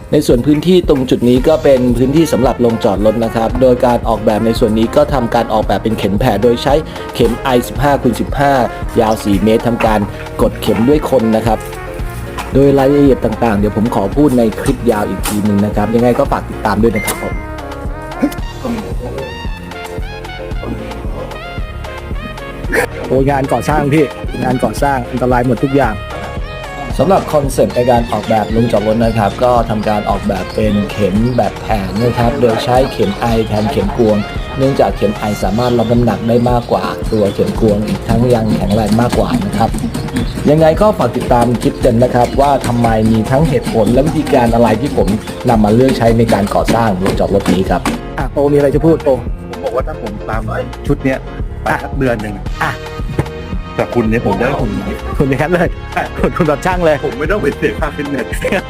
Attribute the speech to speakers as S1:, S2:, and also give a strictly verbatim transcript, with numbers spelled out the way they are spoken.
S1: ในส่วนพื้นที่ตรงจุดนี้ก็เป็นพื้นที่สำหรับลงจอดรถนะครับโดยการออกแบบในส่วนนี้ก็ทำการออกแบบเป็นเข็มแผ่โดยใช้เข็ม ไอ สิบห้าคูณสิบห้า ยาวสี่เมตรทำการกดเข็มด้วยคนนะครับโดยรายละเอียดต่างๆเดี๋ยวผมขอพูดในคลิปยาวอีกทีหนึ่งนะครับยังไงก็ฝากติดตามด้วยนะครับผมโอ้งานก่อสร้างพี่งานก่อสร้างอันตรายหมดทุกอย่างสำหรับคอนเซ็ปต์ในการออกแบบลงจอดรถนะครับก็ทำการออกแบบเป็นเข็มแบบแผ่นะครับโดยใช้เข็มไอแทนเข็มกวงเนื่องจากเข็มไอสามารถรับน้ำหนักได้มากกว่าตัวเข็มกวงอีกทั้งยังแข็งแรงมากกว่านะครับยังไงก็ฝากติดตามคลิปกันนะครับว่าทำไมมีทั้งเหตุผลและวิธีการอะไรที่ผมนำมาเลือกใช้ในการก่อสร้างลงจอดรถนี้ครับอ่ะโตมีอะไรจะพูดโต
S2: ผมบอกว่าถ้าผมตามไอ้ชุดเนี้ยไปสักเดือนหนึ่ง
S1: อ่ะ
S2: แต่คุณเนี่ยผมได้ผม
S1: คุณอย่างนั้นเลยคุณคุณแบบช่างเลย
S2: ผมไม่ต้องไปเสียค่าฟิตเนส